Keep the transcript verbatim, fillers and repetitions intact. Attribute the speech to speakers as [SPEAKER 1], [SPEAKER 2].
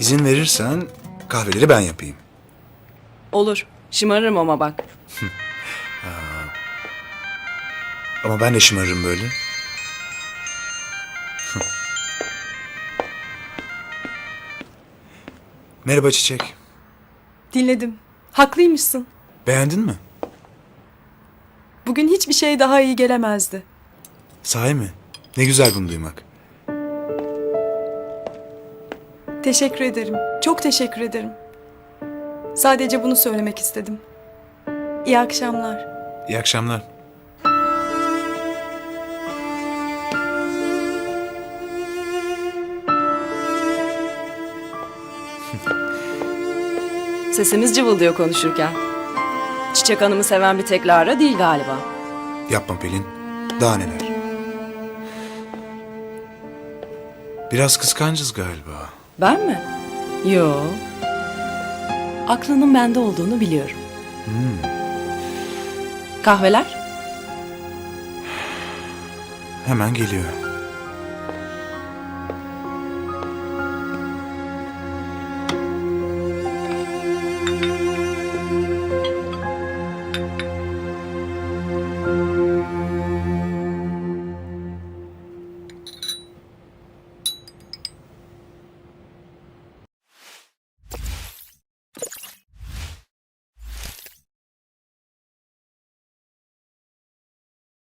[SPEAKER 1] İzin verirsen kahveleri ben yapayım.
[SPEAKER 2] Olur. Şımarırım ama bak.
[SPEAKER 1] Ama ben de şımarırım böyle. Merhaba Çiçek.
[SPEAKER 3] Dinledim. Haklıymışsın.
[SPEAKER 1] Beğendin mi?
[SPEAKER 3] Bugün hiçbir şey daha iyi gelemezdi.
[SPEAKER 1] Sahi mi? Ne güzel bunu duymak.
[SPEAKER 3] Teşekkür ederim. Çok teşekkür ederim. Sadece bunu söylemek istedim. İyi akşamlar.
[SPEAKER 1] İyi akşamlar.
[SPEAKER 2] Sesimiz cıvıldıyor konuşurken. Çiçek Hanım'ı seven bir tek Lara değil galiba.
[SPEAKER 1] Yapma Pelin. Daha neler. Biraz kıskancız galiba.
[SPEAKER 2] Ben mi? Yo. Aklının bende olduğunu biliyorum. Kahveler?
[SPEAKER 1] Hemen geliyor.